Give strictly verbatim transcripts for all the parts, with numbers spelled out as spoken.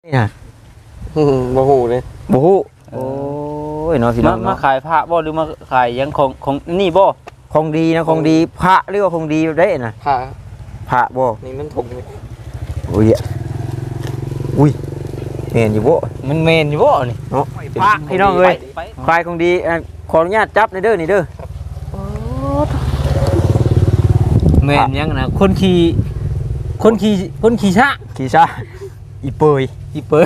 นี่นะบ่ฮู้เลยบ่ฮู้โอ้ยเนาะพี่น้มาองมาเนาะขายพระบ่หรือมาขายยังของของนี่บ่ของดีนะของดีพระเรียกว่าของดีได้น่ะผ้าพระบ่นี่มันถุงนี่โอ้ยอุ้ยเห็นอยู่บ่มันเมนอยู่บ่นี่เนาะพระพี่น้องเอ้ยไปควายของดีอ่ะขออนุญาตจับในอยเด้อนี่เด้อเมนยังนะคนขี่คนขี่คนขี่ช้าขี่ซะอีเปยอีเปย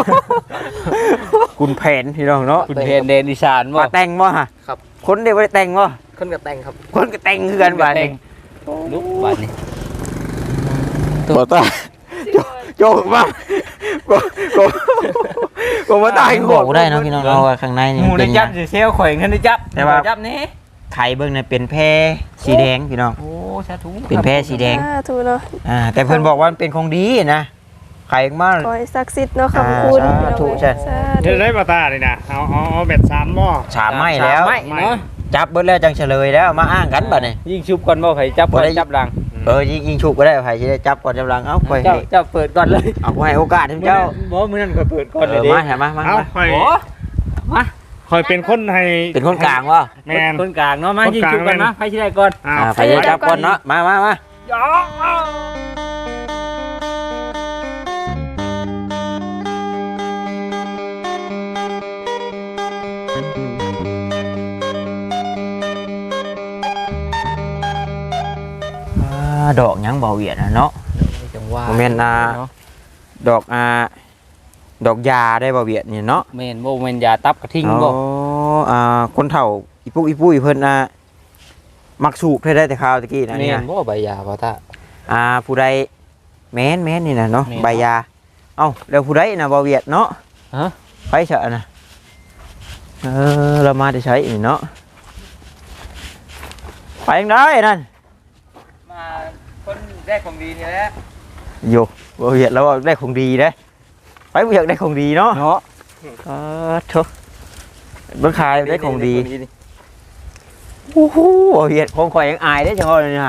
คุณแผนพี่น้องเนาะคุณเพนเดนอีสานบ่มาแต่งบ่ฮะครับคนเดียวบ่ได้แต่งบ่คนกับแต่งครับคนก็แต่งคือกันบาดนี้ลุกบาดนี้บ่ตาโจโจมาก็ก็ก็บ่ตายบอกได้เนาะพี่น้องเราข้างในนี่หมูเป็ได้นจับสิเซลข่อยเงินได้จับแต่ว่าจับนี่ไข่เบิ่งเนี่ยเป็นแพรสีแดงพี่น้องโอ้สาธุเป็นแพรสีแดงสาธุเนาะอ่าแต่เพิ่นบอกว่ามันเป็นของดีนะไข่มาขอให้ศักดิ์สิทธิ์เนาะอ่าคำคุณสาธุใช่สาเดี๋ธุยวได้ปลาตาเลยนะเอาเอาเอาเบ็ดสามหม้อสามไม้แล้วไม่เนาะจับเบิดแล้วจังเฉลยแล้วมาอ้างกันบัดนี้ยิงชุบก่อนบ่ไผจับก่อนจับหลังเออยิงยิงฉุกก็ได้ไผสิได้จับก่อนจับหลังเอ้าไปเจ้าเจ้าเปิดก่อนเลยเอาให้โอกาสให้เจ้าบ่มื้อนั้นก็เปิดก่อนเอเลยอดิมาหามามาเอามาคอยโอ้มาคอยเป็นคนให้เป็นคนกลางวะแมนคนกลางเนาะมาคนยิงกลางชุบก่อนแม่นนะไผสิได้ก่อนอ้าอ่าว ไผจะจับก่อนเนาะมามามาอ่าดอกหยังเบาเวียดนะเนาะจังว่าโมเมนต์อ่าดอกอ่าดอกยาได้บ่เวียดนี่เนาะแม่นบ่แม่นยาตับกระทิงอ๋บ่ออ่าคนเฒ่าอีปุกอีปุ้ยเพิ่นอ่ามักสูบได้ได้แต่คราวตะกี้นะแม่เนี่ยนบ่ใบยาบ่ตาอ่าผู้ใดแม่นแม่นนี่นะเนาะแม่นใบยาเอ้าแล้วผู้ใดน่ะบ่เวียดเนาะฮะไปเถอะนะเออเรามาได้ใช้นี่เนาะไปยังได้นั่นมาคนแรกของดีนี่แหละโยบ่เวียดแล้วได้ของดีเด้ไปบ่อยากได้ของดีเนาะเนาะเออโถเบิ่งขายได้ของดีโอ้โหบ่เวียดของข่อยยังอายได้จังว่าเลยนะ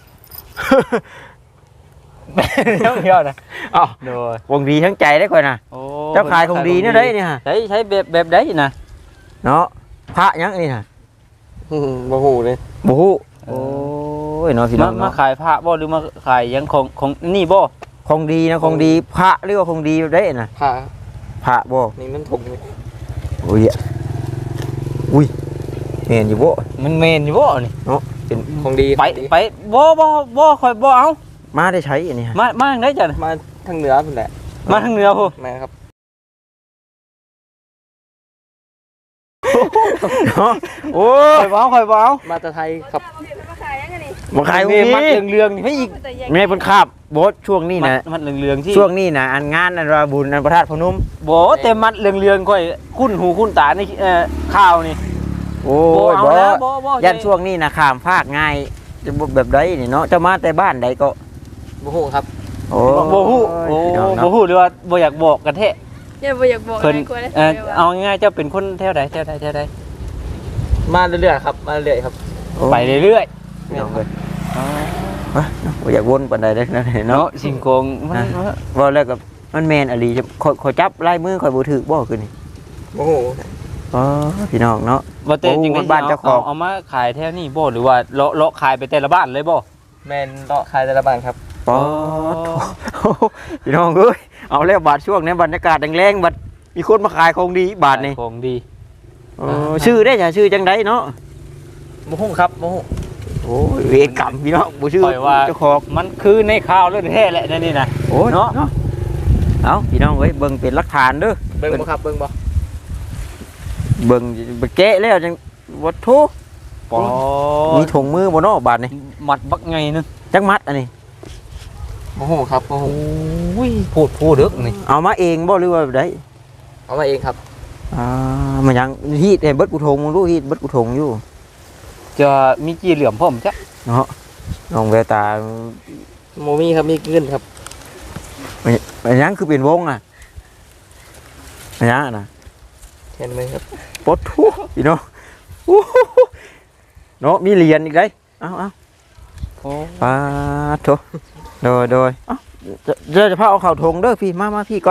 เดี๋ยวเดี๋ยวนะเอ้าโดยของดีทั้งใจได้ข่อยนะโอ้เจ้าขายของดีเนี่ยได้นี่ฮะใช้ใช้แบบแบบใดนะเนาะพระยังนี่ฮะบ่ฮู้เลยบ่ฮู้โอ้ยเนาะพี่น้มาองมาเนาะขายพระบ่หรือมาขายยังของของนี่บ่ของดีนะของดีพระเรียกว่าของดีได้น่ะผ้าพระบ่นี่มันถุงนี่โอ้ยอุ้ยเห็นอยู่บ่มันเมนอยู่บ่นี่เนาะเป็นของดีไปของดีไปบ่บ่บ่ค่อยบ่เอามาได้ใช้อันนี้ฮะมามาทางไหนจ้ะน่ะมาทางเหนือพุ่นแหละมาทางเหนือพุ่นแม่ครับเนาะโอ้ค่อยบ่เอาค่อยบ่เอามาแต่ไทยครับมาขายยังไงนี่บ่ขายของเมดีมัดเรืองๆนี่ให้อีกแต่แยกแม่เพิ่นคาบโบสช่วงนี้มัดนะมัดเรืองๆที่ช่วงนี้นะอันงานอันว่าบุญอันพระธาตุพนมบ่แต่มัดเรืองๆค่อยคุ้นหูคุ้นตาในเอ่อข่าวนี่โอ้บ่ยเอาบ่แล้วบ่บ่ยันช่วงนี้นะข้ามภาคง่ายจะบ่แบบใดนี่เนาะเจะมาแต่บ้านใดก็บ่ฮู้ครับโอ้บ่บ่ฮู้โอ้พี่น้องบ่เนาะฮู้หรือว่าบ่อยากบอกกันแท้อย่าบ่อยากบอกเพิ่นอะไรกลัวได้เอ่อสียเอาง่ายๆเจ้าเป็นคนแถวใดแถวใดแถวใดมาเรื่อยๆครับ มาเรื่อยๆครับไปเรื่อยพี่น้องเอ้ยๆวะเนาะบ่อยากวนปานใดเด้อเนาะเนาะเนาะสิงโกงมันนะ ว่าแล้วก็มันแม่นอหลีจะขอยขอยจับลายมือขอยบ่ถูกบ่คือนี่บ่ฮู้อ๋อพี่น้องเนาะบ่เต้จริงโอ้ๆบ้านเจ้าของเอามาขายแถวนี้บ่หรือว่าเลาะเลาะขายไปแต่ละบ้านเลยบ่แม่นเลาะขายแต่ละบ้านครับป๊อดโถ่พี่น้องเอ้ยเอาแล้วบาดช่วงนี้บรรยากาศแรงๆบัดมีคนมาขายของดีบาทนี่ของดีเออชื่อได้จ้ะชื่อจังไดเนาะบ่ฮู้ครับบ่ฮู้โอ้ยเวรกรรมพี่น้องบ่ชื่อปล่อยว่าเจ้าของมันคือในข่าวเรื่องแท้แหละนั่นนี่นะโอ้ยเนาะเนาะเอาพี่น้องเอ้ยเบิ่งเป็นหลักฐานเด้อเบิ่งบ่ครับเบิ่งบ่เบิ่งไปแกะแล้วจังวัตถุปอมีถุงมือบ่เนาะบาดนี่มัดบักไงนึงจักมัดอันนี้บ่ฮู้ครับบ่ฮู้โอ้ยพูดพูดเด้อนี่เอามาเองบ่หรือว่าแบบใดเอามาเองครับอ่ามันยังฮีดให้เบิดกูทงมึงรู้ฮีดเบิดกูทงอยู่จะมีกี่เหลี่ยมพร้อมจ้ะเนาะน้องแววตาโมมีครับมีเงินครับมันยังคือเป็นวงอ่ะมันยังอะนะเห็นไหมครับปดทุพี่น้องอู้หูเนาะมีเหรียญอีกได้เอาเอาโอ้ปาโถโดยโดยเอ้าจะจะจะพาเอาเข่าทงเด้อพี่มามาพี่ก่อน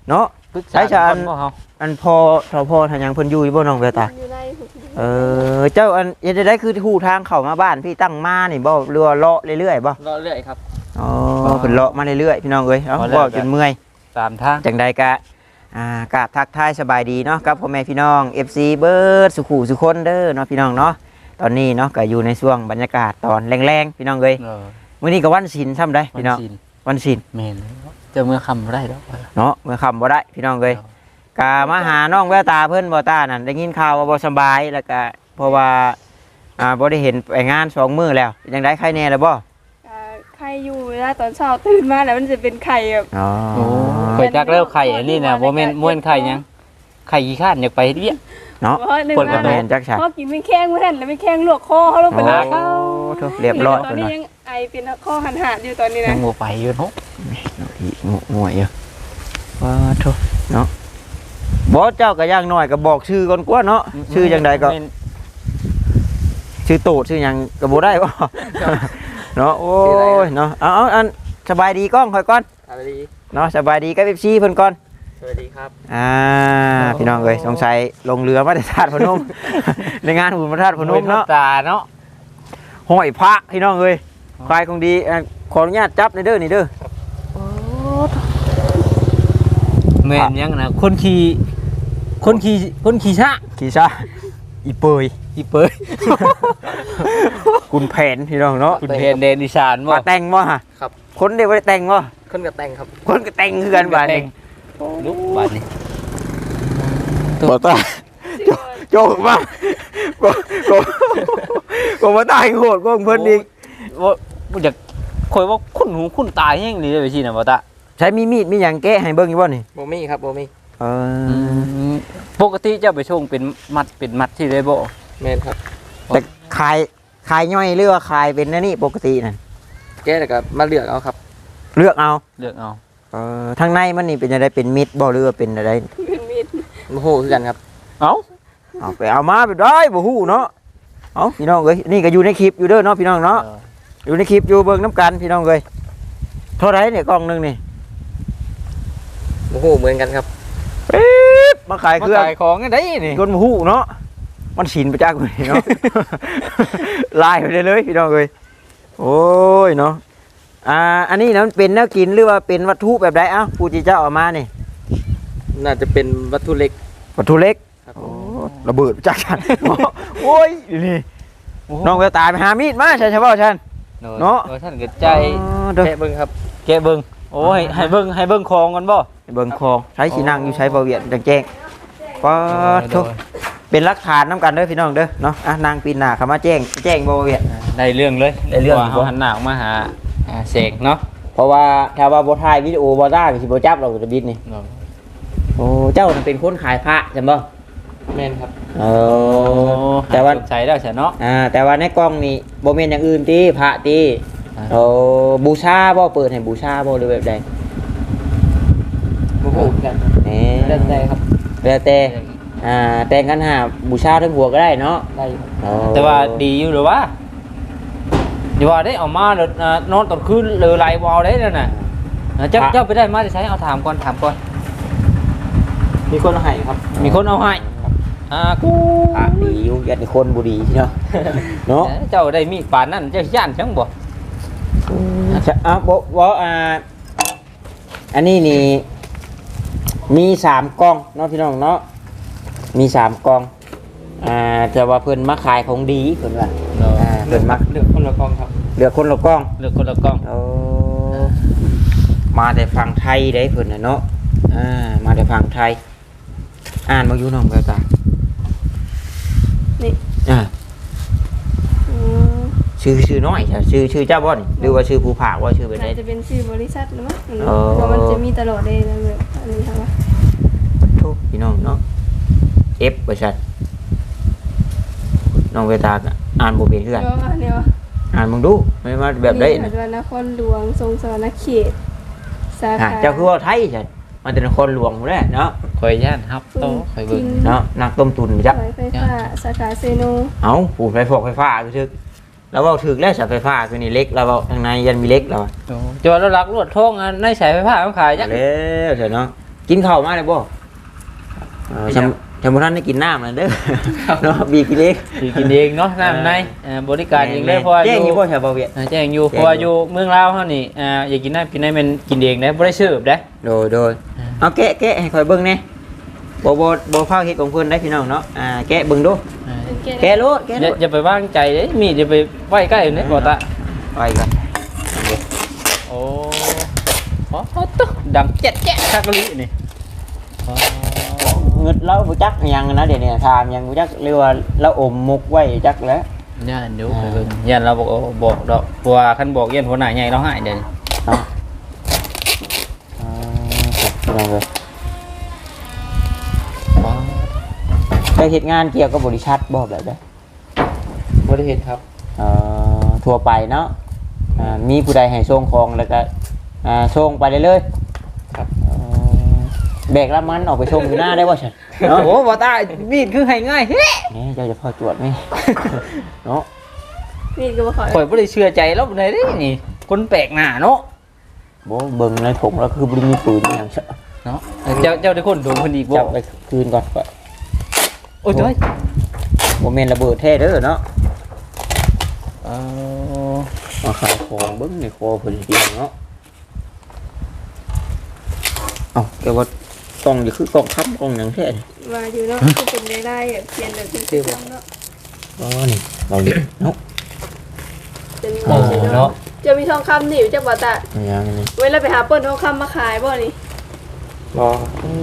เนาะปรึกษาใช้ชาญก่บ่เฮาอันพอทอพอทางยังเพิ่นอยู่บ่น้องแววตาอยู่ในเออเจ้าอันเฮ็ดได้คือฮู้ทางเข้ามาบ้านพี่ตั้งมานี่บ่เรือว่าเลาะเรื่อยๆบ่รอเรื่อยครับอ๋อเพิ่นเลาะมาเรื่อยๆพี่น้องเอ้ยเอ้าเว้าจนเมื่อยตามทางจังใดกะอ่ากราบทักทายสบายดีเนาะกับพ่อแม่พี่น้อง เอฟ ซี เบิร์ดสุขุสุคนเด้อเนาะพี่น้องเนาะตอนนี้เนาะก็อยู่ในช่วงบรรยากาศตอนแรงๆพี่น้องเอ้ยเออมื้อนี้ก็วันศีลซ้ำได้พี่น้องวัศีลวันศีลแม่นเจะเมื่อคำบ่ได้ดอกเนาะเมื่อค่ำบ่ได้พี่น้องเอ้ยกะมาหาน้องแววตาเพิ่นบ่ตานั่นได้ยินข่าวว่าบ่สบายแล้วก็เพราะว่าอ่าบ่ได้เห็นไปงานสองมื้อแล้วจังได๋ใครแน่แล้วบ่อ่าไข่อยู่เวลาตอนเช้าตื่นมาแล้วมันจะเป็นไข่แบบอ๋อโอ้ข่อยจักแล้วไข่อันนี้น่ะบ่แม่นม่วนไข่หยังไข่ขี้ข้านอยากไปเฮ็ดเวียกเนาะเพราะหนึ่งเปิดกระมาโดแม่ดนจักฉะพอกินไม่แข้งไม่ทันแล้วไม่แข้งลวกคอเขาลงไปโอ้ลากเขาโถเรียบร้อยตอนเพิ่นนี้ว่ายังไอเป็นข้อหันหาดอยู่ตอนนี้ยันะงบ่ไปอยู่เนาะอีงงวยอยู่ว่าโถเนาะบ่เจ้าก็ย่างน้อยก็บอกชื่อก่อนกว่าเนาะชื่อจังใดก็แม่นชื่อตูดชื่อหยังก็บ่ได้บ่ เนาะโอ้ยเนาะเอาเอาอันสบายดีก้องค่อยก่อนสวัสดีเนาะสบายดีกับ เอฟ ซี เพิ่นก่อนสวัสดีครับอ่าพี่น้องเอ้ยสงสัยลงเรือมาแต่ธาตุพนม ในงานบุญพระธาตุพนมเนาะตาเนาะห้อยพระพี่น้องเอ้ยควายคงดีอ่ะขออนุญาตจับในอยเด้อนี่เด้อแม่นยังนะคนขี่คนขี่คนขี่ช้าขี่ซะอีเปยอีเปยคุณแผนพี่น้องเนาะคุณเพนเดนดิชานบ่มาแต่งบ่ฮะครับคนเดียวบ่ได้แต่งบ่คนกับแต่งครับคนก็แต่งคือกันบาดนี้ลุกบาดนี้บ่ตาโจกมาก็ก็ก็บ่ตายโหดก็เพิ่นอีกว่าบ่อยากข่อยว่าคุ้นหูคุ้นตาแฮงนี่เลยไปสิน่ะบ่ตาใช้มีมีดมีหยังแกะให้เบิ่งอยู่บ่นี่โบมี่ครับโบมี่เออปกติเจ้าไปชงเป็นมัดเป็นมัดที่ได้บ่แมนครับแต่ขายขายย่อยหรือว่าขายเป็นอันนี่ปกตินั่นแกแล้วก็มาเลือกเอาครับเลือกเอาเลือกเอาเออทางในมันนี่เป็นอะไรเป็นมิดบ่หรือว่าเป็นอะไรเป็นมีดโมโหคือกันครับเอ้าเอาไปเอามาไปได้บ่ฮู้เนาะเอาพี่น้องเอ้ยนี่ก็อยู่ในคลิปอยู่เด้อเนาะพี่น้องเนาะอยู่ในคลิปอยู่เบิ่งน้ำกันพี่น้องเอ้ยเท่าไหร่เนี่ยกล่องหนึงนี่โมโหเหมือนกันครับปี๊บมาขายมาเครื่องขายของกันได้นี่คนบ่ฮู้เนาะมันฉินไปจากคนนี้เนาะ ลายไปได้เลยพี่น้องเอ้ยโอ้ยเนาะอ่าอันนี้นะมันเป็นแนวกินหรือว่าเป็นวัตถุแบบใดเอ้าผู้ที่เจ้าเอามานี่น่าจะเป็นวัตถุเล็กวัตถุเล็กครับโอ้ระเบิดจักฉัน โอ้ยนี่น้องแววตาไปหามีดมาใช่ใช่ป่าวฉัน เนาะเออท่านก็ใจอ๋อเด้อแกะเบิ้งครับแกะเบิ่งโอ้ยให้เบิ่งให้เบิ่งของกันบ่เบิ่งคองใช้สีนั่งอยู่ใช้บาเวียนจังแจ้งก็ทุกเป็นหลักฐานน้ำกันเด้อพี่น้องเด้อเนาะอ่ะนางปีนหน้าเข้ามาแจ้งแจ้งบาเวียนได้เรื่องเลยได้เรื่องว่าเฮาหันหน้าออกมาหาอ่าเสกเนาะเพราะว่าถ้าว่าบ่ถ่ายวิดีโอบ่ได้ก็สิบ่จับเราจะบิดนี่โอ้เจ้าน่ะเป็นคนขายพระใช่บ่แมนครับเออแต่ว่าใช้แล้วใช่เนาะอ่าแต่ว่าในกล้องนี่บ่แม่นอย่างอื่นติพระติอ่าโอ้บูชาบ่เปิดให้บูชาบ่หรือแบบใดโมโหคือกันครับเอ๊แล้วแต่ครับแล้วแต่อ่าแต่งกันหาบูชาทั้งหัวก็ได้เนาะได้อยู่ครับอ๋อแต่ว่าดีอยู่หรือว่าอย่าว่าได้เอามาแล้วอ่านอนตอนคืนหรือไรวอลได้นั่นน่ะอ่าเจ้าเจ้าไปได้มาได้ใช้เอาถามก่อนถามก่อนมีคนเอาให้ครับมีคนเอาให้อ่ากูพระดีอยู่ยันคนบ่ดีเนาะเนาะเจ้าได้มีดปานนั้นเจ้าย่านจังบ่อ่ะบ่บ่อ่าอันนี้นี่มีสามกล่องเนาะพี่น้องเนาะมีสามกล่องอ่าแต่ว่าเพิ่นมาขายของดีเพิ่นว่าอ่าเพิ่นมาเลือกคนละกองครับเหลือคนละกล่องเลือกคนละกล้องโอ้มาแต่ฝั่งไทยได้เพิ่นน่ะเนาะอ่ามาแต่ฝั่งไทยอ่านบ่อยู่น้องแววตานี่อ่าอืมชื่อชื่อน้อยใช่ชื่อชื่อเจ้าบ่นี่หรือว่าชื่อผู้ผากว่าชื่อเป็นไดน่าจะเป็นชื่อบริษัทหรือมั้งอ๋อเพราะมันจะมีตลอดเลยนะแบบอันนี้ค่ะว่าโทษพี่น้องเนาะ F บ่ชัดน้องเวตาก็อ่านบ่เป็นคือกันเดี๋ยวอันเนี้ยอ่านมึงดูไม่มาแบบได้นี่นะอาจจะนครหลวงทรงสวรรณเขตสาอ่าขาเจ้าคือว่าไทยใช่มันเป็นคนหลวงหมดแล้วเนาะคอยย่านครับโตคอยเบิ่งเนาะนักต้มตุนไปจ้ะสายไฟฟ้าสาขาเซโนเอ้าปูนไฟฟอกไฟฟ้าคือทึกแล้วเว้าถึกแล้วเสาไฟฟ้าคือนี่เล็กแล้วเว้าทางในยันมีเล็กแล้วอะจะว่าเราลักลวดทองอันในสายไฟฟ้าเขาขายจังแล้วเถอะเนาะกินข้าวมาเลยบ่เออชำชำบ่ทันได้กินน้ำนั่นเด้อเนาะบีกินเองสิกินเองเนาะน้ำในเอ่อบริการเองเลยเพราะว่าอแจ้งอยู่ยู่บ่ชาวบ่เวียดอ่าแจ้งอยู่เพราะว่าอยู่เมืองลาวเฮานี่อ่าอยากกินน้ำกินได้มันกินเองได้บ่ได้เสิร์ฟได้โดยโดยเอาแกะแกะให้ข่อยเบิ่งแหน่บ่บ่บ่พาเฮ็ดของเพิ่นได้พี่น้องเนาะอ่าแกะเบิ่งดูอ่าแกะโลดแกะอโลย่าดอย่าไปวางใจเด้มีดอย่าไปไว้ใกล้เด้บ่ตาไปกันโอ้โอ้ตุ๊ดังแจ๊ะแจ๊ะคักกะลินี่อ๋อเงิดเราบ่จักหยังนะเดี๋ยวนี้ถามหยังบ่จักเรียกว่าเราอมมุกไว้จักแล้วย่านอยู่ไปเบิ่งย่านเราบอกบอกดอกเพราะว่าคันบอกย่านหัวหน้าใหญ่เราหายเด้เนาะอ่าพี่น้องเอ้ยได้เฮ็ดงานเกี่ยวกับบริษัทบ่แบบใดบริเหตุครับเอ่อทั่วไปเนาะอ่ามีผู้ใดให้ส่งของแล้วก็อ่าส่งไปได้เลยครับเอ่อแบกรับมันออกไปส่งอยู่หน้าได้บ่ฉันเนาะโอ้บ่ตามีดคือให้ง่ายเฮ้นี่เจ้าจะพอจวดไหม เนาะมีดก็บ่ขอข่อยบ่ได้เชื่อใจแล้วเลยเด้นี่คนแปลกหน้าเนาะบ่เบิ่งในถุงแล้วคือบ่ได้มีปืนอหย่างเชอะเนาะเจ้าเจ้าได้คนโดนคนอีกบ่จับไปคืนก่อนก่อนโอ้ยเจ้ยบ่แม่นระเบิดแท้เด้อเนาะเออมาขายของเบิ่งในคอเพิ่นเดียวเนาะเอ้าแต่ว่ากล่องนี่คือกล่องค้ำกล่องหยังแท้นี่ว่าอยู่เนาะคือเป็นได้ได้อะเขียนแบบเป็นชื่อเนาะอ๋อนี่เราเรียกเนาะเป็นโอ้เนาะจะมีทองคำนี่อยู่จักบ่ตาอันยังนี่เวลาไปหาเปิ้นทองคำมาขายบ่นี่รอโอ้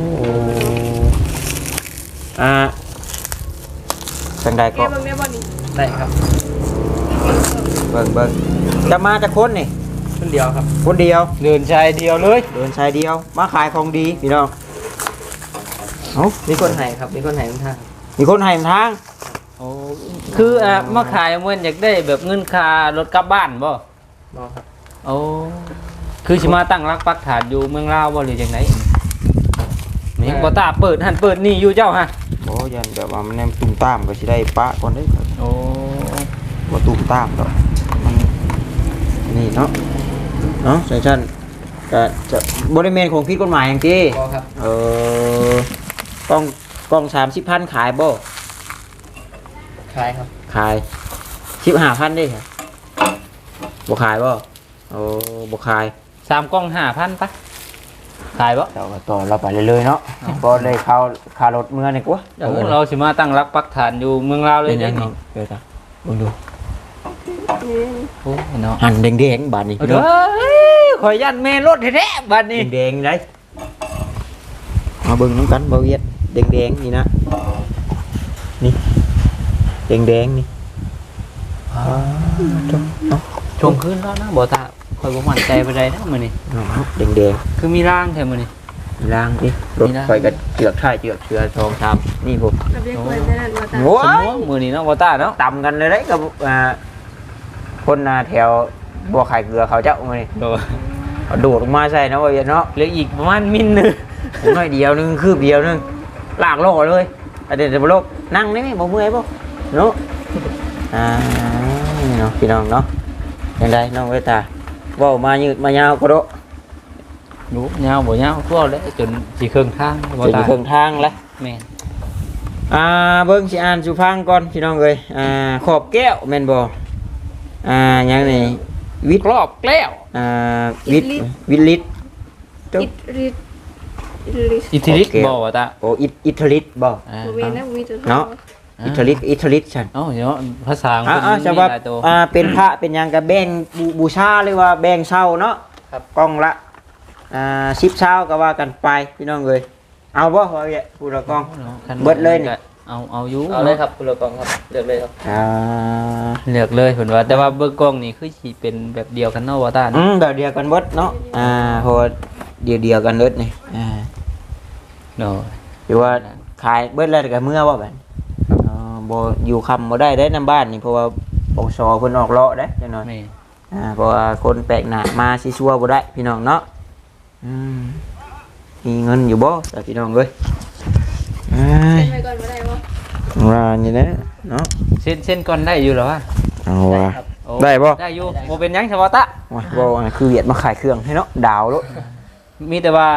อ่าจังใดแกก็บ่แม่บ่นี่ได้ครับเบิ่งเบิ่งจะมาจากคนนี่คนเดียวครับคนเดียวเดินชายเดียวเลยเดินชายเดียวมาขายของดีพี่น้องเอ้ามีคนให้ครับ มีคนให้ทุกท่านมีคนให้ทางโอ้คืออ่ะมาขายเหมือนอยากได้แบบเงินค่ารถกลับบ้านบ่รอครับโอ้คือสิมาตั้งรักปักฐานอยู่เมืองลาวบ่หรือจังไดนี่บ่ตาเปิดหันเปิดนี่อยู่เจ้าฮะโอ้ยันแบบว่ามันแนมตุ้มตามก็สิได้ปะก่อนเด้อโอ้บ่ตุ้มตามดอกมันนี่เนาะเนาะใช่ชั้นก็จะบ่ได้แม่นของผิดกฎหมายหยังติรอครับเออกล้องกล้องสามสิบพันขายบ่ขายครับขายสิบห้าพันได้ค่ะบ่ขายบ่โอ้บ่ขายสามกล่องห้าพันปะขายบ่เราก็ต่อเราไปเรื่อยๆเนาะบ่เลยเข้าคารถเมื่อนี่กว่าเดี๋ยวเราสิมาตั้งรักปักฐานอยู่เมืองลาวเลยเป็นยัเด้งไงนี่เดี๋ยวจ้ะเบิ่งดูนี่โอ้เนาะหันแดงๆบาดนี้เด้อข่อยยันแม่รถแท้ๆบัดนี้แดงๆได้มาเบิ่งน้ำกันบ่เวียดแดงๆนี่นะนี่แดงๆนี่อ่าจ้ะเนาะชมขึ้นแล้วนะบ่ตาข่อยบ่มั่นใจปานใดนะมื้อนี้เนาะแดงคือมีร่างแท้มื้อนี้ๆล้างดิรถมีล้างไฟก็เจือกท้ายเจือกเชือทองชามนี่ผมเราเรียกเปิ้นได้นั่นบ่ตาโอ้สมยมุติมื้อนี้เนาะบ่ตาเนาะต่ำกันเลยได้กับอ่าคนอ่าแถวบัวไข่เกลือเขาเจ้ามานี่โดเอาโดดลงมาใส่เนาะว่าอย่างเนาะเหลืออีกประมาณมิลหนึงน้อยเดียวนึงคืบเดียวนึงลากโลกเลยอะเดี๋ยวเดี๋ยวโลกนั่งได้ไหมบ่เมื่อยบ่เนาะอ่านี่เนาะพี่น้องเนาะยังไงน้องเวตาเว้ามายืดมายาวก็โดะดูยาวบ่ยาวทั่วเลยจนสิครึ่งทางบ่จะอตายู่เครื่องทางแล้วแม่นอ่าเบิ่งสิอ่านสุพังก่อนพี่น้องเอ้ยอ่าขอบแก้วแม่นบ่อ่าหยังนี่วิทย์รอบแก้วอ่าวิทย์วิทย์ลิตรอิดริดอิดริดอิทธิฤทธิ์บ่ว่าตาโอ้อิอิทลิตบ่อ่าบ่มีนะบ่มีตัวเนาะอิทลิตอิทลิตฉันเอ้าเดี๋ยวภาษาของอ่าเพิ่นอ่ามีจะว่าหลายตัวอ่าเป็นพระเป็นหยังกับแบ่งบูบูชาหรือว่าแบ่งเช่าเนาะครับกล้องละอ่าสิบเช่าก็ว่ากันไปพี่น้องเอ้ยเอาบ่ว่าแกผู้ละกล้องคันเบิดเลยนี่เอาเอาอยู่เอาเลยครับคุณโลกองครับ เลือกเลยครับอ่าเลือกเลยเพิ่นว่าแต่ว่าเบิ่งกล้องนี่คือสิเป็นแบบเดียวกันเนาะว่าตาอืเนาะมแบบเดียวกันเบิดเนาะอ่าเพราะว่าเดียวเดียวกันเบิดนี่อ่าเนาะหรือว่าขายเบิดแล้วก็เมื่อบ่บัดอ๋อบ่อยู่คำบ่ได้ได้นำบ้านนี่เพราะว่าปกสเพิ่นออกเลาะเด้จังหน่อยแม่อ่าเพราะว่าคนแปลกหน้ามาสิชัวบ่ได้พี่น้องเนาะอืมมีเงินอยู่บ่แต่พี่น้องเอ้ยเอ้ยไปก่อนบ่ได้บ่ว่านี่นะเนาะเส้นเส้นก่อนได้อยู่เหรอวะเอาว่าโอ้ได้บ่ได้อยู่บ่เป็นหยังเฉพาะตะว่าบ่ว่าคือเวียดมาขายเครื่องให้เนาะดาวโลดมีแต่ว่า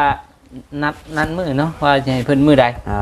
นัดนัดมื้อเนาะว่าจะให้เพิ่นมื้อใดอ่า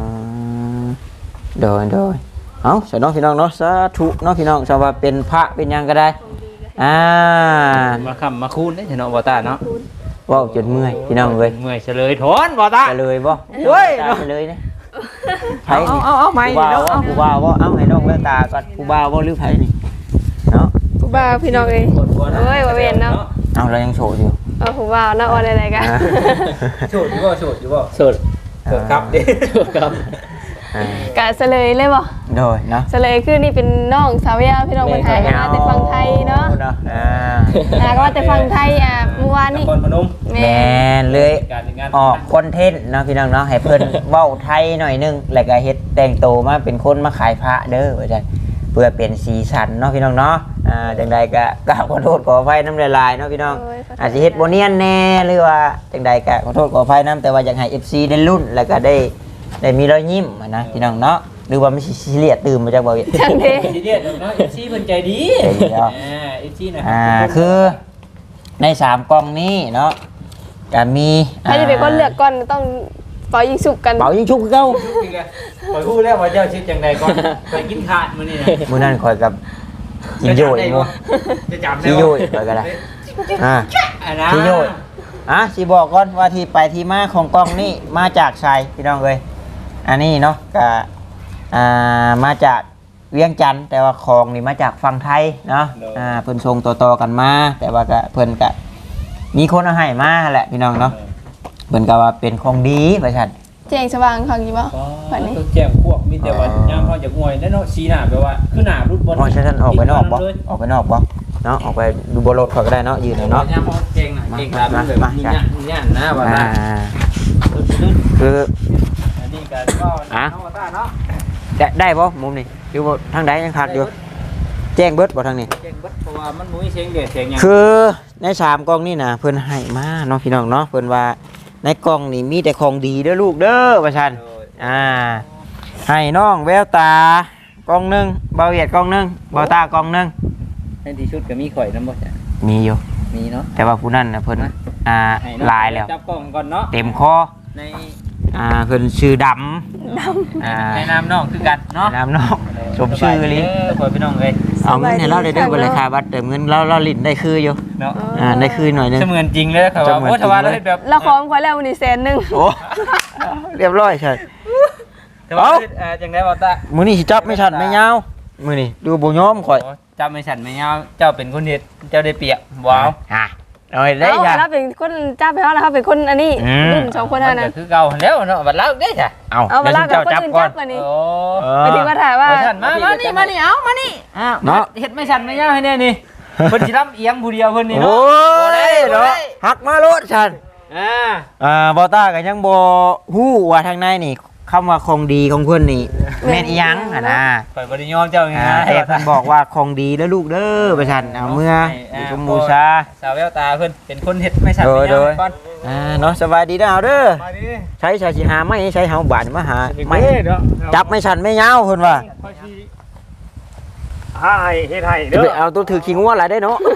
โดยโดยเอาสน้องพี่น้องเนาะสาธุเนาะพี่น้องสว่าเป็นพระเป็นหยังก็ได้อ่ามาคำมาคูณได้เนาะบ่ตาเนาะเว้าจนเมื่อยพี่น้องเอ้ยเมื่อยเฉลยถอนบ่ตาจะเลยบ่เฮ้ยจะเลยนะไผเอานี่เอาเอาใหม่ผู้นี่บ่าวเนาะผู้บ่าวบ่เอาให้น้องแววตาก่อนผู้บ่าวบ่หรือไผนี่เนาะผู้บ่าวพี่น้องเอ้ยโอ้ยว่าเว้นเนาะเอาเรายังโสดอยู่เอาผู้บ่าวเนาะว่าอะไรกันอ่าโสดอยู่บ่โสดอยู่บ่สุดโสดครับดิโสดครับอ่ากะเฉลยเลยบ่โดยเนาะเฉลยคือนี่เป็นน้องสาวยาพี่น้องคนไทยมาแต่ฟังไทยเนาะอ่าอ่าก็ว่าแต่ฟังไทยอ่ะเมื่อวานนนี่ครพนมแม่แม่นเลยการงานออกคอนเทนต์เนาะพี่น้องเนาะให้เพิ่น เว้าไทยหน่อยนึงแล้วก็เฮ็ดแต่งโตวมาเป็นคนมาขายพระเด้อว่าจังเพื่อเป็นสีสันเนาะพี่น้องเนาะอ่าจังใดก็กราบขอโทษขออภัยน้ำลายๆเนาะพี่น้องโอ้ยอาจจะเฮ็ดบ่เนียนแน่หรือว่าจังใดก็ขอโทษขออภัยน้ำแต่ว่าอยากให้ เอฟ ซี ได้ลุ้นแล้วก็ได้ได้มีรอยยิ้มอะนะพี่น้องเนาะหรือว่าไม่ใช่ซีเรียสตื่นมาจากบ่เวียจังเด้ซีเรียสเนาะเอฟซีเพิ่นใจดีใจดีเนาะอ่าเอฟซีนะอ่าคือในสามกล่องนี้เนาะก็มีใครจะเป็นคนเลือกก่อนต้องเป่ายิงสุกกันเป๋ายิงชุบคือเก่าปล่อยพูดแล้วว่าเจ้าชิดจังใดก่อนไปกินขาดมื้อนี้นะมื้อนั้นข่อยกับกินโยยหมู่จะจำได้ที่โยยข่อยก็ได้อ่าอันนะที่โยยอ่ะสิบอกก่อนว่าที่ไปที่มาของกล้องนี่มาจากไสพี่น้องเอ้ยอันนี้เนาะก็อ่ามาจากเวียงจันทน์แต่ว่าของนี่มาจากฝั่งไทยเนาะอ่าเพิ่นส่งต่อๆกันมา แต่ว่าก็เพิ่นก็มีคนเอาให้มาแหละพี่น้องเนาะเพิ่นก็ว่าเป็นของดีว่าซั่นแจ้งสว่างเขาอยู่บ่วันนี้ต้องแจ้งพวกมีแต่ว่ายามเขาจะงวยแล้วเนาะสีหน้าแปลว่าคือหน้ารุดบอลอ๋อใช่ท่านออกไปนอกบ่ออกไปนอกบ่เนาะออกไปดูบนรถข่อยก็ได้เนาะยืนเอาเนาะยามเขาเก่งน่ะเก่งตามแบบมีหน้ามีหน้านะว่าอ่าได้คืออันนี้ก็ก็เนาะว่าได้เนาะได้ได้บ่มุมนี้อยู่บ่ทางใดยังขาดอยู่แจ้งเบิดบ่ทางนี้เก่งเบิดเพราะว่ามันบ่มีเสียงเด็ดเสียงหยังคือในสามกล่องนี่นะเพิ่นให้มาเนาะพี่น้องเนาะเพิ่นว่าในกล่องนี่มีแต่ของดีเด้อลูกเด้อว่าซั่นอ่าให้น้องแววตากล่องหนึงเบาเวียดกล่องหนึงเบาตากล่องหนึงในที่ชุดก็มีข่อยนำบ่จ้ะมีอยู่มีเนาะแต่ว่าผู้นั้นน่ะเพิ่นอ่าลายแล้วจับกล้องก่อนเนาะเต็มคอในอ่าเพิ่นชื่อดำดำอ่าในน้ำน้องคือกันเนาะน้ำนอกสมชื่อลิข่อยพี่น้องเอ้ยเอาเงินให้เราได้เด้อบ่เลยค่ะบัตรเติมเงินเราเราลิ้นได้คืออยู่เนาะอ่าได้คือหน่อยหนึงเสมือนจริงเลยครับว่าโอ้ถ้าว่าเราเฮ็ดแบบเราของควายแล้ววันนี้แสนหนึงโอ้เรียบร้อยใช่แต่ว่าเอ่อจังได๋บ่ตามื้อนี้สิจับไม่ชันไม่ยาวมื้อนี้ดูบ่ยอมข่อยจำไม่ฉันไม่ยาวเจ้าเป็นคนเฮ็ดเจ้าได้เปรียบว้าวอ่ะเอาให้ได้เอาจ้ะเราเป็นคนจ้าไปเขาแล้วเขาเป็นคนอันนี้อืมรุ่นสองคนมัเท่าน นั้นก็คือเก่าแล้วเนาะบัดแล้วได้จ้ะเอาเอามาเดี๋ยวลาฉักับนคนเจ้าจับอื่นก่อนจับวันนี้โอ้เอไปอถึงมาถามว่าไม่ฉันมามานี่มานี่เอามานี่อ้าวเนาะเฮ็ดไม่ฉันไม่ยาวให้แน่นี่เพิ่นสิรับเอียงผู้เดียวเพิ่นนี่โอ้เนาะยเนาะหักมาโลดฉันอ่าอ่าบ่ต้าก็ยังบ่ฮู้ว่าทางในนี่คำว่าของดีของเพิ่นนี่แม่นอีหยังอ่ะนะข่อยบ่ได้ยอมเจ้าไงอ่าแต่เพิ่นบอกว่าของดีแล้วลูกเด้อประชันเอาเมื่อชมบูชาสาวแววตาเพิ่นเป็นคนเฮ็ดไม่ฉันโดไม่ยยาโดวย ก่อนอ่าเนาะสบายดีเด้อเอาเด้อมาดิใช้ชาสิหาไม่ใช้เฮาบาดมาหาไม่เด้อเนาะจับไม่ชันไม่ยาวเพิ่นว่าค่อยสิหาให้เฮ็ดให้จะเด้ไปอเอาตัวถือขี้งัวหลายได้เนาะ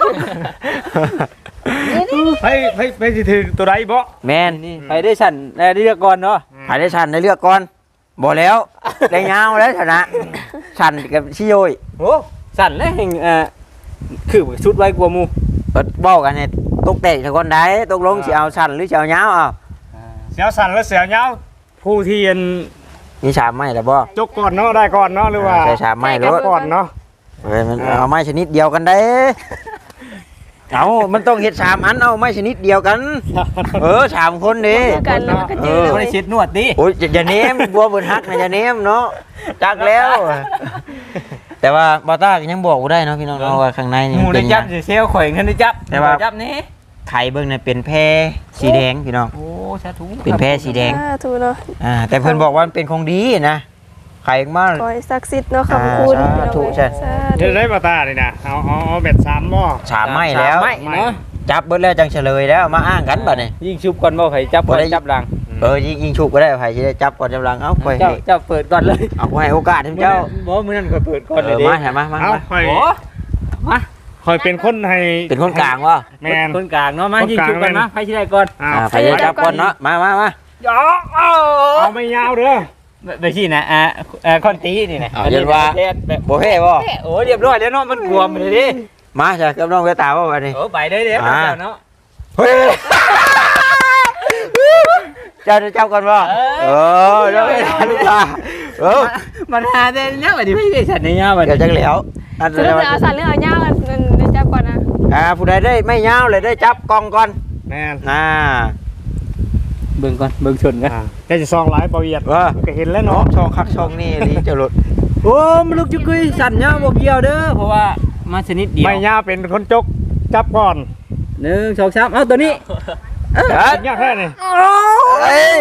ไปไปไปสิถึงตัวใดบ่แม่นนี่ไปได้ฉันได้เลือกก่อนเนาะหาได้ชันได้เลือกก่อนบ่แล้วได้ยาวแล้วชนะชันกับชิโยยโอ้สั่นแล้วแห่งเอ่อคือชุดไว้กลัวหมู่เปิดเว้ากันเนี่ยตกเตะซะก่อนได้ตกลงสิเอาชันหรือสิเอายาวเอาเสียวสั่นแล้วเสียวยาวผู้ที่อันมีสามไม้แล้วบ่จกก่อนเนาะได้ก่อนเนาะหรือว่าใช้สามไม้รถก่อนเนาะเฮ้ยมันเอาไม้ชนิดเดียวกันได้ เอามันต้องเฮ็ดสามอันเอาไม้ชนิดเดียวกัน เออสามคนดิคือกันแล้วมันก็จืดบ่ได้เช็ดนวดดิโอ้ยอย่าอย่าเนมบัวบนฮักนะอย่าเนมเนาะจักแล้ว แต่ว่าบอต้าก็ยังบอกบ่ได้เนาะพี่น้องเนาะว่าข้างในนี่หมู่มันได้เป็นหจัยับงสิเซลข่อยกันได้จับแต่ว่าจับนี่ไข่เบิ่งน่ะเป็นแพรสีแดงพี่น้องโอ้สาธุเป็นแพรสีแดงอ่าถูกเนาะอ่าแต่เพิ่นบอกว่ามันเป็นของดีนะไข่มาขอให้ศักดิ์สิทธิ์เนาะขอบคุณอ่าสาธุใช่สาเฮ็ธุดได้บ่ตานี่นะเอาเอาเอาแบบสามหม้อสามไม้แล้วไม่เนาะจับเบิดแล้วจังเฉลยแล้วมาอ้างกันบัดนี้ยิงชุบก่อนบ่ไผจับก่อนบ่ได้จับหลังเออยิงยิงฉุกก็ได้ไผสิได้จับก่อนจำลังเอ้าไปเจ้าเจ้าเปิดก่อนเลยเอาไว้ให้โอกาสให้เจ้าบ่มื้อนั้นข่อยเปิดก่อนเอเลยอดิมาใช่มามาเอามาค่อยโอ้มาขคอยเป็นคนให้เป็นคนกลางวะแมนคนกลางเนาะมาคนยิงกลางชุบกันแม่นะนใครสิได้ก่อนอ่าอ่าไปเลยจับก่อนเนาะมามามาเอาไม่ยาวเด้อไปสินะอ่าอ่าคอนตีนี่นะเอาเรียนว่าเรียนแบบโบเฮ่บ่โอ้เรียบร้อยแล้วเนาะมันกลวมเลยดิมาจ้ะกับน้องเวตาว่าวันนี้โอ้ไปได้เด้ออ่าเนาะเฮ้ยเจ้าจะจับก่อนบ่เออน้องเวตาลูกตาเออมันหาได้เนี่ยบัดนี้ไม่ได้ฉันเนี่ยบัดเดี๋ยวจังเหลียวอันคือเดี๋ยวเอาสั่นเรื่องเอาย่ามันมันจับก่อนนะอ่าผู้ใดได้ไม่ยาวเลยได้จับกล้องก่อนแมนอ่าเบิ่งก่อนเบิ่งชนกันอ่าแกจะซองหลายเบาเอียดว่าก็เห็นแล้วน้อเนาะงช่องคักช่องนี่ลีเจ้าหลุดโอ้มันลูกจุกุยสั่นเนี่ยบ่เกี่ยวเด้อเพราะว่ามาชนิดเดียวไม่ยาวเป็นคนจกจับก่อนหนึ่งสองสามเอาตัวนี้เอ้ยเป็นยากแค่นี่เอ้ย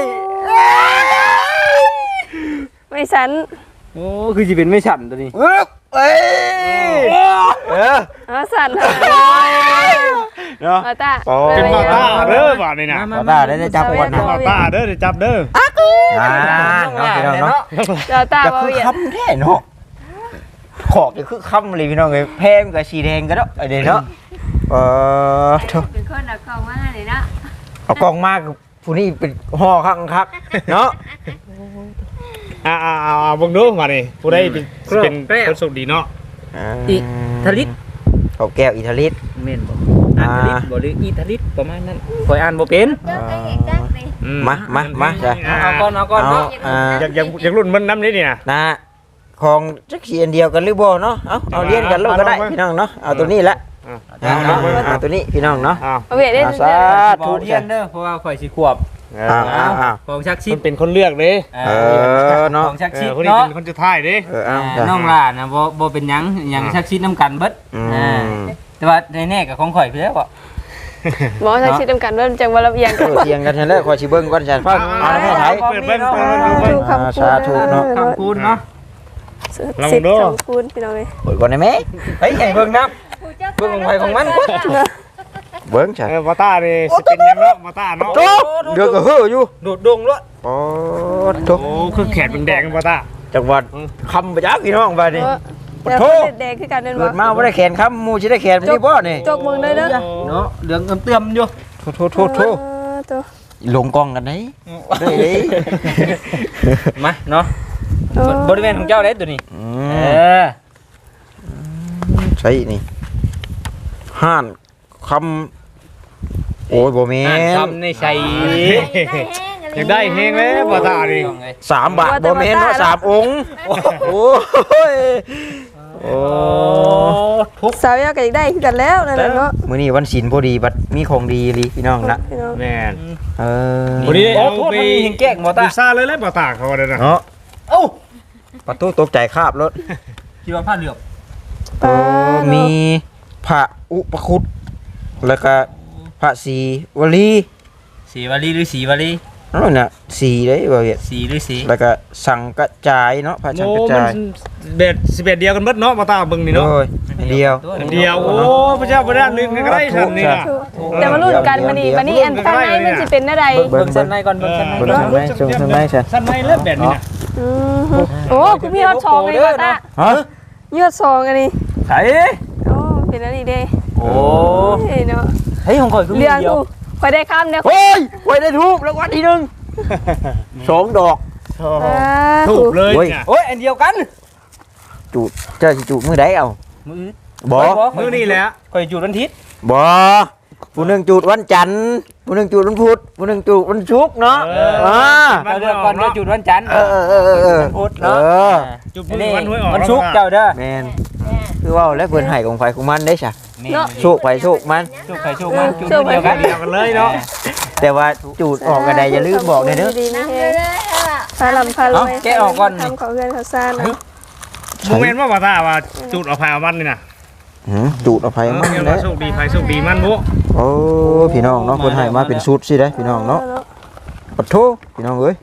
ไม่สันโอ้คือสิเป็นไม่ฉันตัวนี้เอ้ยเอ้ยเออเอาสั่นหาเนาะเอาตาโอ้เป็นมาต้าเด้อบ่านี่นะขอตาได้ได้จับก่อนเป็นนะมาต้าเด้อเดี๋ยวจับเด้ออ่าเนาะพี่น้องเนาะเอาตาจะบ่คือเวียนคำแท้เนาะขอกจะคือคำเลยพี่น้องเลยแพงกับสีแดงก็เนาะไอเดี๋ยวเนาะเออโถ่เป็นคนเอาของมาเลยเนาะเอากล้องมากผู้นี้เป็นห่อคักคักเนาะอ่าอ่าอ่าเบิ่งดูมานี่ผู้ใดเป็นเป็นคนโชคดีเนาะอิทลิตเขาแก้วอิทาลิสเม่นบ่อ่านทลิตบ่หรืออีทลิตประมาณนั้นคอยอ่านบ่เป็นเจ้าก็เห็นจักเลยอืมามามาจ้ะเอาก่อนเอาก่อนเอาเนาะอ่าอยากอยากอยากรุ่นมันน้ำนี้นี่นะนะของจักสีอันเดียวกันหรือบ่เนาะเอาเอาเลี้ยงกันลูกก็ได้พี่น้องเนาะเอาตัวนี้ละอ่าเอาเอาเอาตัวนี้พี่น้องเนาะอ้าวเอาเวียนได้อาทุกสาอย่างธุบ่เรียนเด้อเพราะว่าข่อยสิขวบเออ้าวออ้าวอ้าวของชักชิมัดนเป็นคนเลือกเด้เออเนาะของชักเอชิอดคนนี้เนาะเป็นคนจะท้ายเด้เออเอาอ่าจ้ะน้องล่านะบ่บ่เป็นหยังหยังชักชิดน้ำกันเบิดอือ่าม แต่ว่าในแน่กับของข่อยพี่แล้วบ่หมอทักชิดจำกันว่าจังว่าระเบียงเออเทียงกันแล้วขอสิเบิ่งก่อนจ้ะฟังเอาให้ไทยเปิดเบิ้งเปิดเบิ้งเปิดเบิ้งดูคำพูดสาธุเนาะคำพูดเนาะสิบคำพูดพี่น้องเลยเปิดก่อนได้ไหมเฮ้ยให้เบิ่งนำเบิ่งของไผของมันกว่าเบิ่งจ้ะเออมาต้านี่สิเป็นยังเนาะมาต้าเนาะโตเดือกก็เฮ้ออยู่โดดดงล้วโอ้โตโอ้คือแขนเป็นแดงมาต้าจังหวัดคำประจักษ์พี่น้องบัดนี้แล้วก็แดงคือกันเป็นเกิบ่ดมาบ่ได้แขนคำหมู่สิได้แขนบ่นี่บ่นี่จกมึงเลยเด้อเนาะเหลืองเติมๆอยู่โทโทโทโทตัวลงกล้องกันไหนได้เด้มาเนาะบริเวณของเจ้าเด้ตัวนี้อืเอมอใช่นี่ห้านคำโอ้ยบ่แม่อ่านนคำในใส่อยากได้เฮงเลยมาต้านี่สามบาทบ่แม่นเนาะสามองค์โอ้ยโอ้ทุกสาวยาก็อยากได้คือกันแล้วนั่นแหละเนาะมื้อนี้วันศีลพอดีบัดมีของดีอีหลีพี่น้องนะพี่น้องแม่นเออวันนี้โอ้เอาโทษไปมันมีหิงแก้งบ่ตาดูซ่าเลยเลยมาต้าเขาว่าเด้อนะเนาะเอ้าประตูตกใจคาบรถคิดว่าผ้าเหลือบเออมีพระอุปคุตแล้วก็พระศรีวลีสีวลีหรือสีวลีนั่นน่ะสีเด้บ่เฮ็ดสีหรือสีแล้วก็สังกระจายเนาะพระสังโอ้กระมัจายนเบ็ดสิบเอ็ดเดียวกันเบิดเนาะมาต้าเบิ่งนี่เนาะโอ้ยอันเดียวอันเดียวโอ้พระเจ้าพระด้านหนึงก็ได้ทันนี่น่ะแต่มาลุ้นกันมานี่มานี่อันข้างในมันสิเป็นอะไรเบิ่งชั้นในก่อนเบิ่งชั้นในเบิ่งก่อนทางไหนส่งทางไหนซะสั้นในเลิศแบบนี้น่ะอืมโอ้คุณพี่ยอดซองเลยว่าตาฮะยอดซองอันนี้ไอ้โอ้เป็นอันนี้เด้โอ้เฮ้ยเนาะเฮ้ยของข่อยคือมีเรื่องเดียวกูคอยได้คำเนี่ยโอ้ยไว้ได้ทูบรางวัลที่หนึ่งสองดอกถูกเลยโอ้ยเนี่ยโอ้ยอันเดียวกันจูดเจ้าสิจูดมือใดเอามือบ่มื้อนี้แหละข่อยจุดวันอาทิตย์บ่ผู้หนึงจูดวันจันทร์ผู้หนึงจูดวันพุธผู้หนึงจูดวันศุกร์เนาะเอออ่าเราเดือนก่อนเราจุดวันจันทร์เออเออเออเออเออวันพุธเอเนาะอจุดอันมืนี้อวันหวยออกวันศุกร์เจ้าเด้อแม่นคือว่าแล้วเพิ่นให้ของไฟของมันได้ซะเนาะโชคไปโชคมันโชคใครโชคมันจุดเดียวกันเดียวกันเลยเนาะแต่ว่าจูดออกก็ได้อย่าลืมบอกเด้อเด้อดีๆนั่นี่งเฮเลยเลยอ่ะพาลำพารวยเอาแกะออกก่อนนี่ทำของเงินเขาซ่านเนาะโมเมนต์ว่าว่าตาว่าจุดเอาภายเอามันนี่น่ะหือจูดเอาไฟเออมันเรียกแล้ว่าว โชคดีภายโชคดีมันบุโอ้พี่น้องเนาะเพิ่นให้มาเป็นชุดสิได้พี่น้องเนาะปะโทพี่น้องเอ้ย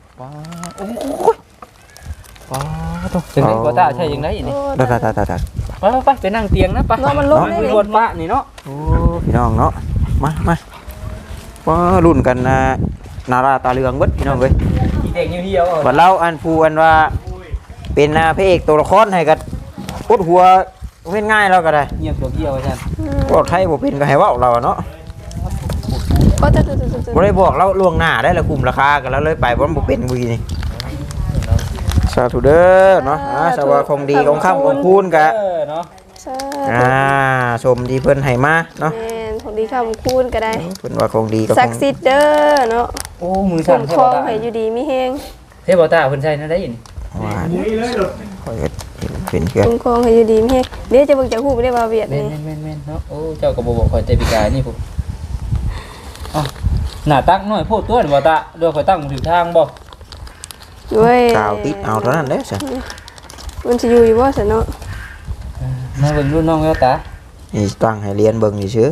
ถึงนี้บ่ตาใช่ยังไงนี่ตาตาตาตาตาไปไปไปนั่งเตียงนะไปเนาะมันลุกได้คุยเลยรวนป้านี่เนาะโอ้พี่น้องเนาะมามาว่ารุ่นกันนะนาราตาเหลืองเบิดพี่น้องเอ้ยอีเด็กเหี่ยวๆบัดเราอันผู้อันว่าเป็นอ่าพระเอกตัวละครให้กันอุดหัวเว้นง่ายแล้วก็ได้เงียบตัวเหี่ยวซั่นอืมบอกไทยบ่เป็นก็ให้เว้าเราเนาะก็จะจะจะจะบ่ได้บอกเราล่วงหน้าได้ละคุมราคากันแล้วเลยไปบ่บ่เป็นวีนี่สาธุเด้อเนาะอ่าสวัสดีของดีของค่ำของคูณกะเออเนาะใช่อ่าชมที่เพิ่นให้มาเนาะแม่นของดีคำคูณก็ได้เพิ่นว่าของดีกับขศัอก งดิ์สิทธิ์เด้อเนาะโอ้มือคุ้สั่นมเทครวองตาให้อยู่ดีมีแฮงเทวตาเพิ่นใช้นั่นได้ยินว่าข่อยก็เห็นเพื่อนคุ้มครองให้อยู่ดีมีแฮงเดี๋ยวจะเบิ่งจากฮู้บ่ได้ว่าเวียดแม่นี่นแม่นแม่นเนาะโอ้เจ้าก็บ่บอกข่อยแต่ปีกายนี่พุ่นอ๋อหน้าตักน้อยโพดตัวนี่บ่ตาเดี๋ยวข่อยตั้งถึงทางบ่ด้วยกาวติดเอาเท่านั้นเด้อซะมันสิอยู่อยู่บ่ซะเนาะมาเบิ่งรุ่นน้องแล้วตานี่ตั้งให้เรียนเบิ่งซื่อ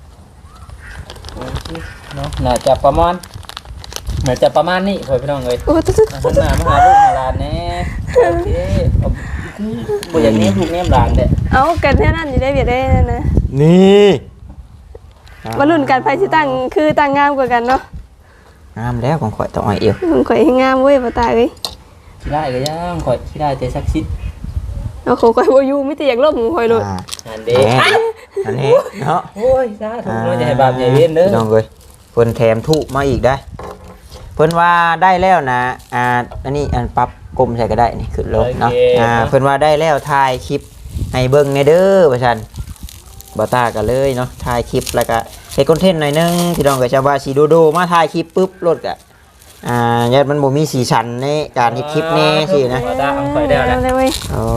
เนาะน่าจะประมาณน่าจะประมาณนี้พ่อพี่น้องเอ้ยโอ้ตุ๊ดหันหน้ามาหาลูกหาหลานแน่โอเคเอาคือบ่อย่างนี้ลูกแนมหลานเด้ๆเอากันแค่นั้นอยู่ได้เวียดได้นะนี่มาลุ้นกันไผสิตั้งคือตั้งงามกว่ากันเนาะงามแล้วของข่อยต้องอ้อยเอวมันข่อยให้งามเว้ยบ่ตายเอ้ยขี้ได้ก็ยังข่อยขี้ได้แต่สักชิดเอาของข่อยบ่อยู่มีแต่อยากลบของข่อยโลดอ่าอันเด้แหม่อันนี้เนาะโอ้ยสาธุเนาะอย่าให้บาปอย่าเวรเด้อพี่น้องเอ้ยเพิ่นแถมถูกมาอีกได้อเพิ่นว่าได้แล้วนะอ่าอันนี้อันปรับกลมใส่ก็ได้นี่ขึ้นลงเนาะอ่าเพิ่นว่าได้แล้วถ่ายคลิปให้เบิ่งในเด้อว่าซั่นบ่ตากันเลยเนาะถ่ายคลิปแล้วก็เฮ็ดคอนเทนต์หน่อยนึงพี่น้องก็จะว่าสิโดโดมาถ่ายคลิปปุ๊บรถก็อ่าญาติมันบ่มีสีสันในการเฮ็ดคลิปแน่สินะบ่ตาเอาข่อยได้แล้วเอาเลยเว้ยอ๋อ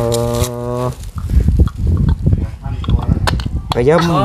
ไปเยี่ยมอ๋อ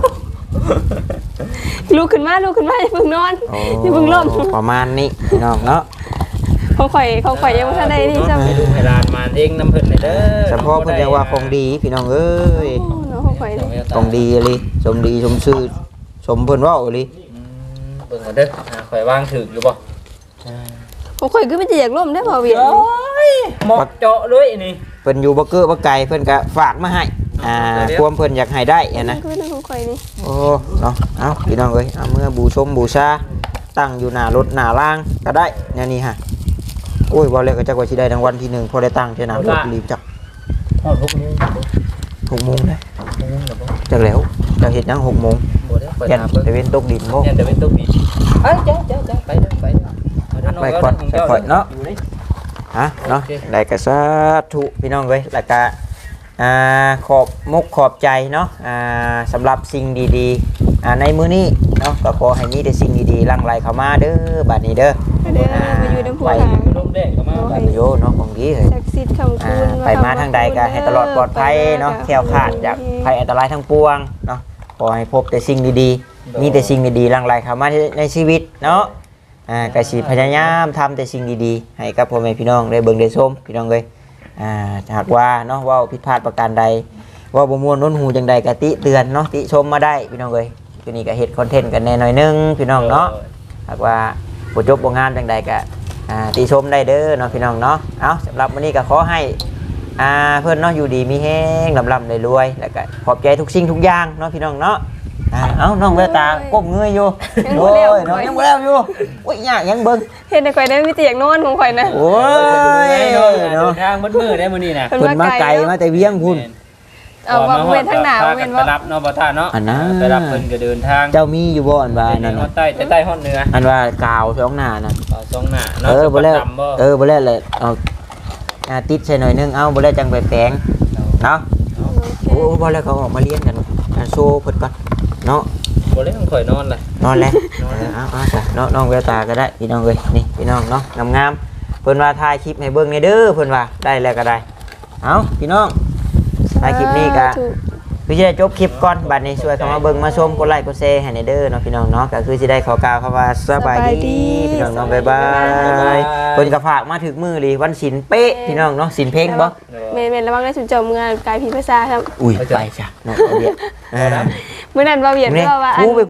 ลุกขึ้นมาลุกขึ้นมาอย่าเพิ่งนอนอย่าเพิ่งล้มประมาณนี้พี่น้องเนาะของข่อยของข่อยยังบ่ทันได้นี่จ้ะให้ลูกให้หลานมาเองน้ำเพิ่นเลยเด้อเฉพาะเพิ่นจะว่าของดีพี่น้องเอ้ยโอ้เนาะของข่อยนี่ของดีเลยสมดีสมชื่อสมเพิ่นเว้าเลยอืมเบิ่งก่อนเด้ออ่าข่อยวางถึกอยู่บ่ของข่อยคือมันจะอยากล้มได้บ่เวียดโอ้ยเหมาะเจาะเลยนี่เพิ่นอยู่บ่เก้อบ่ไกลเพิ่นก็ฝากมาให้อ่าความเพิ่นอยากให้ได้อะนะคือของข่อยนี่โอ้เนาะเอาพี่น้องเอ้ยเอาเมื่อบูชมบูชาตั้งอยู่หน้ารถหน้าล่างก็ได้แนวนี้ฮะโอ้ยบ่แล้วก็จักว่าสิได้รางวัลที่หนึ่งพอได้ตั้งเท่านั้นรถรีบจักฮอดหกโมงบ่หกโมงเลยหกโมงแล้วบ่จักแล้วจะเฮ็ดหยังหกโมงบ่ได้ข่อยยันถามเบิ่งตะเวนตกดินบ่ยันแต่เป็นตุ๊กดีเอ้ยเจ้าเจ้าเจ้าไปเด้อไปเด้อเอาเด้อไปก่อนงจ้ไปก่อนเนาะอยู่นี่ฮะเนาะโอเคได้กระสาธุพี่น้องเว้ยแล้วก็อ่าขอบมุกขอบใจเนาะอ่าสำหรับสิ่งดีๆอ่าในมื้อนี้เนาะก็ขอให้มีแต่สิ่งดีๆหลั่งไหลเข้ามาเด้อบัดนี้เด้อเด้อมาอยู่น้ำพุไปหางลมแดดก็มาบัดโยเนาะของดีเฮ้ยศักดิ์สิทธิ์คำอ่าคูณไปมาทางใดก็ให้ตลอดปลอดภัยเนาะแคล้วคลาดจากภัยอันตรายทั้งปวงเนาะขอให้พบแต่สิ่งดีๆมีแต่สิ่งดีๆหลั่งไหลเข้ามาในชีวิตเนาะอ่าก็สิพยายามทำแต่สิ่งดีๆให้กับพ่อแม่พี่น้องได้เบิ่งได้ชมพี่น้องเอ้ย อ่าหากว่าเนาะเว่าผิดพลาดประการใดเว่าบ่ม่วนน้นหูจังใดกะติเตือนเนาะติชมมาได้พี่น้องเอ้ยคือนี่ก็เฮ็ดคอนเทนต์กันแน่หน่อยนึงพี่น้องเนาะหากว่าบ่จบบ่งามจังใดก็อ่าติชมได้เด้อเนาะพี่น้องเนาะเอาสำหรับวันนี้ก็ขอให้อ่าเพิ่นเนาะอยู่ดีมีแฮงร่ำๆรวยๆแล้วก็ขอบใจทุกสิ่งทุกอย่างเนาะพี่น้องเนาะอ่าเอ้าน้องแววตาก้มเงยอยู่โอ้ยน้องยังบ่แล้วอยู่โอ้ยยากยังเบิ่งเห็นแต่ข่อยได้มีแต่อยากนอนของข่อยนะโอ้ยเนาะเนาะทางมืดๆได้มื้อนี้น่ะเพิ่นเพิ่นมาไกลมาแต่เวียงพุ่นเอาว่าเว้นทางหน้าพเว้นไปว่ารับเนาะบ่ท่าเนาะอันนั้นไปรับเพิ่นก็เดินทางเจ้ามีอยู่บ่อันว่านั่นฮอน่ะดใต้แต่ใต้ฮอดเหนืออันว่ากาวช่องหน้าน่ะเอาสองหน้าเนาะเออบ่แล้วดำบ่เออบ่แล้วเลยเอาอ่าติดใส่หน่อยนึงเอาบ่แล้วจังไปแปลงเนาะโอ้บ่แล้วเขาออกมาเรียนกันอ่าโชว์เพิ่นก่อนเนาะบ่ได้ต้องข่อยนอนเลยนอนแล้วเออเอาเอาจ้ะเนาะน้องแววตาก็ได้พี่น้องเอ้ยนี่พี่น้องเนาะงามๆเพิ่นว่าถ่ายคลิปให้เบิ่งในเด้อเพิ่นว่าได้แล้วก็ได้เอาพี่น้องถ่ายคลิปนี้ก็ คือจะได้จบคลิปก่อนบัดนี้ช่วยเข้ามาเบิ่งมาชมกดไลค์กดแชร์ให้ในเด้อเนาะพี่น้องเนาะก็คือสิได้ขอกล่าวคำว่าสบายดีพี่น้องเนาะบ๊ายบายเพิ่นก็ฝากมาถึงมือเลยวันศีลเป๊ะพี่น้องเนาะศีลเพ่งบ่แม่นๆระวังได้สุนเจ้าเมืองกายผีภาษาครับอุ้ยไปจ้ะเนาะเอาเดียวอ่ามื้อนั้นบ่าเวียดนี่ว่าว่าอันกูไป